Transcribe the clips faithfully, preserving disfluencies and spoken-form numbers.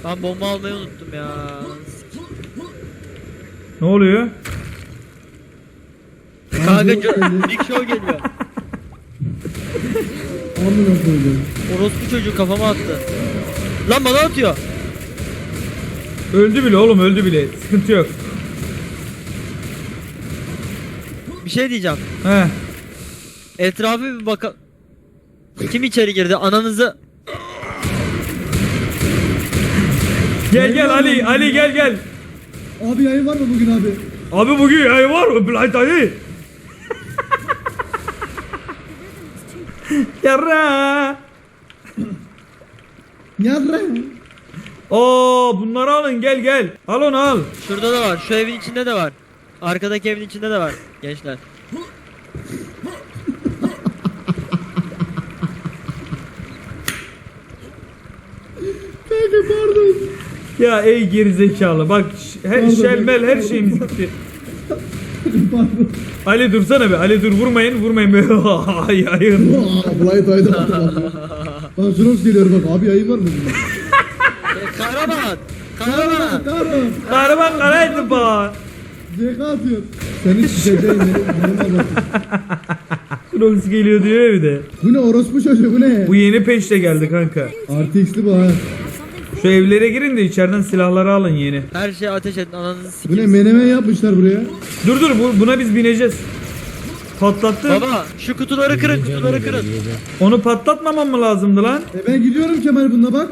Ben bomba almayı unuttum ya. Ne oluyor? Kanka Big Show geliyor. Amına koydum. Orospu çocuğu kafama attı. Lan bana atıyor. Öldü bile oğlum, öldü bile. Sıkıntı yok. Bir şey diyeceğim. He. Etrafı bir baka... Kim içeri girdi? Ananızı... Gel gel Ali, Ali gel gel. Abi yayın var mı bugün abi? Abi bugün yayın var mı? Blind Ali. Yarra. Yarra. Oo, bunları alın, gel gel. Al onu al. Şurada da var. Şu evin içinde de var. Arkadaki evin içinde de var. Gençler. Kanka pardon. Ya ey gerizekalı bak, her Pardon, şelmel her pardon. şeyimiz gitti. Pardon. Ali dursana be, Ali dur, vurmayın vurmayın be. Ay ayın. Aa, Blind Ay'da bak. Bak Jurox geliyor bak. Abi yayın var mı bugün? E, kahraman. Kahraman. Kahraman. Kahraman karaydı ba. C K atıyor. Senin şişeceğin benim bak. Krox geliyor diyor bir de. Bu ne orospu çocuğu bu ne? Bu yeni peşte geldi kanka. Artı X'li bu ha. Şu evlere girin de içeriden silahları alın yeni. Her şeye ateş edin. Ananızı Bu ne sikeyim. menemen yapmışlar buraya. Dur dur, bu, buna biz bineceğiz. Patlattı. Baba şu kutuları kırın. Kutuları kırın. Onu patlatmamam mı lazımdı lan? E ben gidiyorum Kemal bununla bak.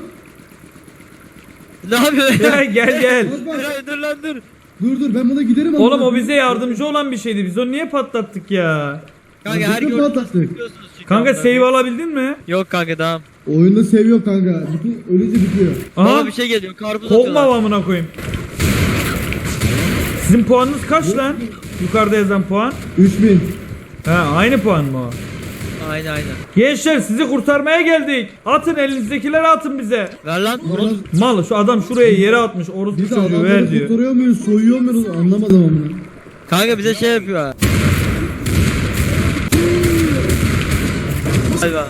Ne yapıyorsun? Gel gel gel. Bak bak. Dur dur lan dur. Dur dur ben buna giderim. Oğlum ama. o bize yardımcı olan bir şeydi. Biz onu niye patlattık ya? Kanka Ya her bütün gördüğünüzü patlattık. biliyorsunuz çünkü Kanka onları. save alabildin mi? Yok kanka tamam. Oyunda seviyor kanka. Bütün ölünce bitiyor. Aha. Baba bir şey geliyor. Karpuz Kovma atıyorlar. amına koyayım. Sizin puanınız kaç lan? Yukarıda yazan puan. üç bin. Ha, aynı puan mı o? Aynen aynen. Gençler sizi kurtarmaya geldik. Atın, elinizdekileri atın bize. Ver lan. Orospu. Mal, şu adam şuraya yere atmış. Orospu Biz de çocuğu ver adamları diyor. kurtarıyor muyuz, soyuyor muyuz anlamadım amına. Kanka bize şey yapıyor. Hayvan.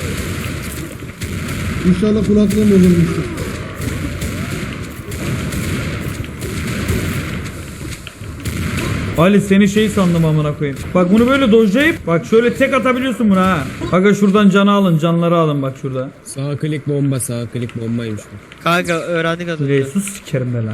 İnşallah kulaklığım bozulmuştur. Ali seni şey sandım amına koyayım. Bak bunu böyle dojlayıp bak şöyle tek atabiliyorsun buna ha. Bak şuradan canı alın, canları alın bak şurada. Sağ klik bomba, sağ klik bombaymış bu. Kanka öğrendik az önce. Resus sikerim ben lan.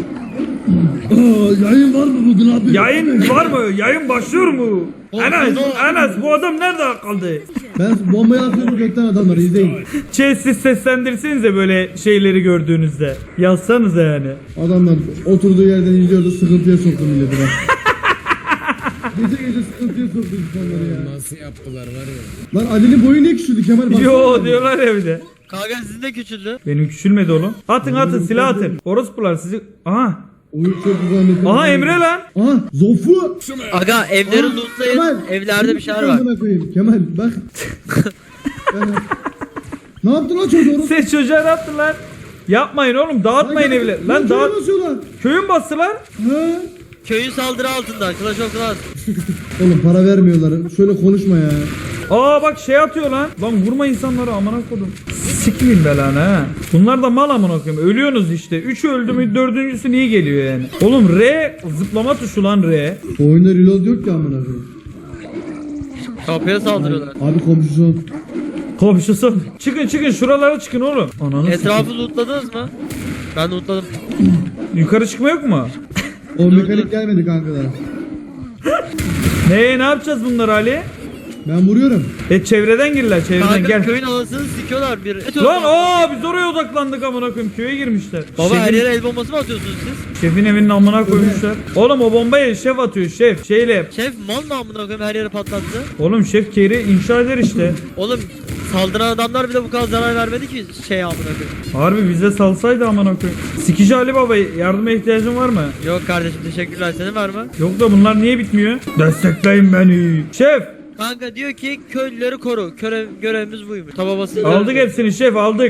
Aa, yayın var mı bugün abi? Yayın var mı? Yayın başlıyor mu? Enes, Enes bu adam nerede kaldı? Ben bombayı atıyorum gökten adamları izleyin. Şey, siz seslendirsenize böyle şeyleri gördüğünüzde. Yazsanıza yani. Adamlar oturduğu yerden izliyordu, sıkıntıya soktu milleti bak. Gece gece sıkıntıya soktu insanları ya. Nasıl yaptılar var ya. Lan Ali'nin boyu niye küçüldü Kemal? Baksana. Yo diyorlar ya bir de. Kanka sizin de küçüldü. Benim küçülmedi oğlum. Atın atın, silah atın. Orospular sizi. Aha. Oyun çok güzel. Aha Emre lan. Aha Zofu. Aga evleri Aa, lootlayın. Kemal, Evlerde bir şeyler şunu var. amına koyayım. Kemal bak. Ben- ne yaptın lan çocuğu? Siz çocuğa ne yaptın lan? Yapmayın oğlum, dağıtmayın evleri. Lan dağıt. basıyorlar. Köyün bastılar. Ha? Köyün saldırı altında. Clash of Clans. Oğlum para vermiyorlar. Şöyle konuşma ya. Aa bak şey atıyor lan. Lan vurma insanları amına kodum. Sikmeyin be lan ha. Bunlar da mal amına koyayım. Ölüyorsunuz işte. Üçü öldü mü dördüncüsü niye geliyor yani? Oğlum R zıplama tuşu lan R. Oyunda reload yok ki amına koyayım. Kapıya saldırıyorlar. Abi komşusu. Komşusu. Çıkın çıkın şuralara çıkın oğlum. Ananı Etrafı lootladınız mı? Ben lootladım. sikeyim. Yukarı çıkma yok mu? O mekanik gelmedi kankalar. Ne ne yapacağız bunları Ali? Ben vuruyorum. E çevreden girler çevreden Kanka gel. köyün anasını sikiyorlar bir. Lan aa biz oraya odaklandık amına koyayım, köye girmişler. Baba her Şefin- yere el bombası mı atıyorsunuz siz? Şefin evinin amına koymuşlar. Oğlum o bombayı şef atıyor şef. Şeyle. Şef mal mı amına koyayım her yere patlattı? Oğlum şef keri inşa eder işte. Oğlum saldıran adamlar bile bu kadar zarar vermedi ki şey amına koyayım. Harbi bize salsaydı amına koyayım. Sikici Ali Baba yardıma ihtiyacın var mı? Yok kardeşim teşekkürler, senin var mı? Yok da bunlar niye bitmiyor? Destekleyin beni. Şef Kanka diyor ki köylüleri koru. Görev, görevimiz buymuş. Tababası. aldık hepsini şef aldık.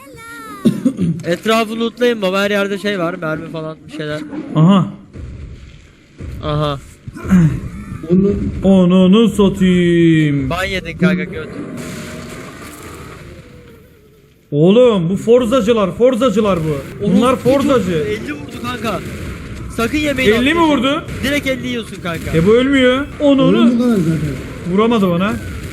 Etrafı lootlayın baba, her yerde şey var, mermi falan bir şeyler. Aha. Aha. Onu Onunu satayım. Ban yedin kanka göt. Oğlum bu forzacılar, forzacılar bu. Bunlar Orospu forzacı. çocuğu, elli vurdu kanka. Sakın yemeyin. elli mi vurdu? Direkt elli yiyorsun kanka. E bu ölmüyor. Onu Oyun onu bu kadar zaten. vuramadı bana.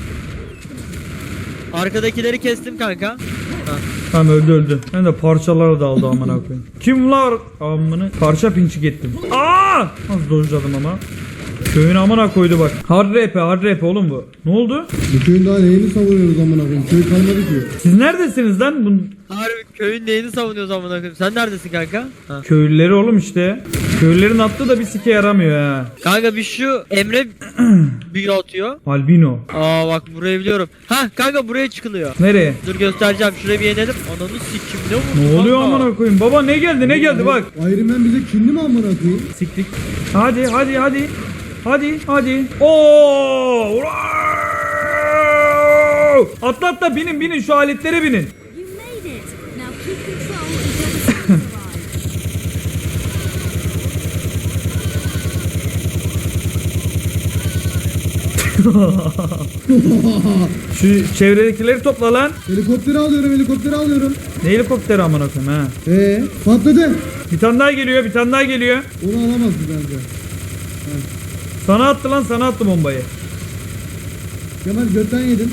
Arkadakileri kestim kanka. Ha. Tamam öldü öldü. Hem de parçaları da aldı amına koyayım. Kimler amını parça pinçik ettim. Aa! Az dojladım ama. Köyün amına koydu bak. Hard rap hard rap oğlum bu. Ne oldu? Bu köyün daha neyini savunuyoruz amına koyayım? Köy kalmadı ki. Siz neredesiniz lan? Bu Harbi köyün neyini savunuyoruz amına koyayım. Sen neredesin kanka? Ha. köylüleri oğlum işte. Köylülerin attığı da bir sike yaramıyor ha. Kanka bir şu Emre büyü atıyor. Albino. Aa bak burayı biliyorum. Ha kanka buraya çıkılıyor. Nereye? Dur göstereceğim. Şuraya bir inelim. Ananı sikim ne vurdu Ne oluyor kanka? amına koyayım? Baba ne geldi ne geldi bak. Iron Man bize kinli mi amına koyayım? Siktik. Hadi hadi hadi. Hadi hadi. Oo! Ura! Atla atla binin binin şu aletlere binin. You made it. Now keep control until the Şu çevredekileri topla lan. Helikopteri alıyorum, helikopteri alıyorum. Ne helikopteri amına koyayım ha. Ee, patladı. Bir tane daha geliyor bir tane daha geliyor. Onu alamazdı bence. Sana attı lan sana attı bombayı. Kemal götten yedin.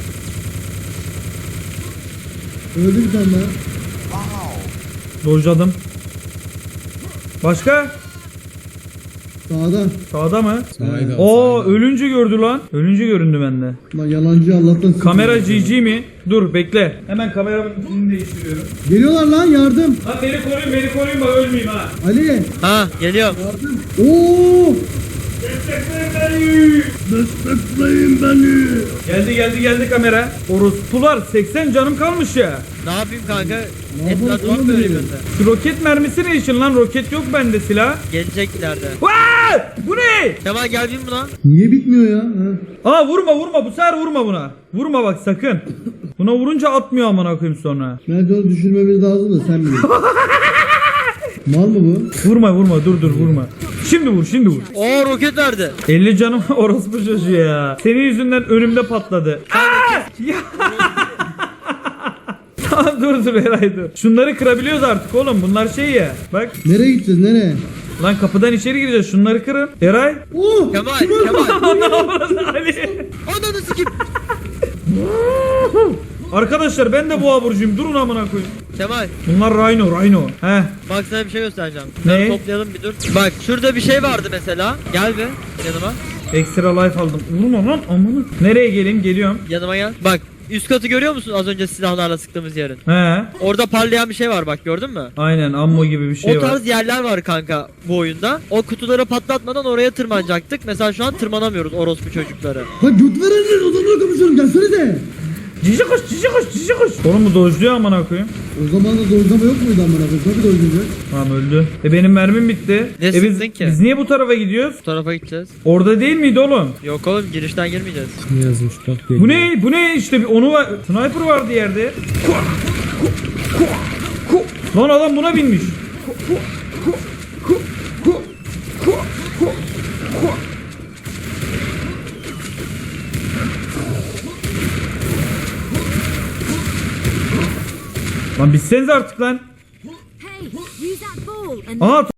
Öldü bir tane daha. Dojladım. Başka? Sağda. Sağda mı? Saygı, Oo saygı. ölünce gördü lan. Ölünce göründü bende. Lan yalancı Allah'tan sıkıldı. Kamera G G mi? Dur bekle. Hemen kameramın ipini değiştiriyorum. Geliyorlar lan yardım. Lan beni koruyun beni koruyun bak ölmeyeyim ha. Ali. Ha geliyorum. Yardım. Oo. Destekleyin beni. Destekleyin beni. Geldi geldi geldi kamera. Orospular seksen canım kalmış ya. Ne yapayım kanka? Ne yapalım Etlat var oğlum mı öyle benim? gözde? Şu roket mermisi ne işin lan? Roket yok bende silah. Gelecek ileride. Vaa! Bu ne? Kemal gel bin buna. Niye bitmiyor ya? Ha? Aa vurma vurma bu sefer vurma buna. Vurma bak sakın. Buna vurunca atmıyor amına koyayım sonra. Bence onu düşürmemiz lazım da sen biliyorsun. Mal mı bu? Vurma vurma dur dur vurma. Şimdi vur şimdi vur. Oo roket verdi. elli canım orospu çocuğu ya. Senin yüzünden önümde patladı. Aa! Ya. Tamam dur dur Eray dur. Şunları kırabiliyoruz artık oğlum bunlar şey ya. Bak Nereye gideceğiz nereye? lan kapıdan içeri gireceğiz şunları kırın. Eray. Oo! Kemal Kim öldü? Kemal. Ne yapıyorsun Ali? Ananı sikim. Arkadaşlar ben de boğa burcuyum durun amına koyayım. Kemal Bunlar Rhino Rhino. Heh. bak sana bir şey göstereceğim. Ne? Şunları toplayalım bir dur. Bak şurada bir şey vardı mesela. Gel bir yanıma. Extra life aldım. Vurma lan amına. Nereye geleyim geliyorum. Yanıma gel. Bak üst katı görüyor musun az önce silahlarla sıktığımız yerin? He. Orada parlayan bir şey var bak gördün mü? Aynen ammo gibi bir şey o var. tarz yerler var kanka bu oyunda. O kutuları patlatmadan oraya tırmanacaktık. Mesela şu an tırmanamıyoruz orospu çocukları. Lan göt verenler odamda konuşuyorum gelsenize. Cici kuş cici kuş cici kuş. Oğlum bu dojluyor amına koyayım. O zaman da dojlama yok muydu amına koyayım? Tabii dojlayacak. Tamam öldü. E benim mermim bitti. Ne e biz, sıktın ki? biz niye bu tarafa gidiyoruz? Bu tarafa gideceğiz. Orada değil miydi oğlum? Yok oğlum girişten girmeyeceğiz. Ne yazmış bak. Bu ne? Bu ne? İşte bir onu var. Sniper vardı yerde. Lan adam buna binmiş. Lan bitseniz artık lan. Hey, use that ball and Aha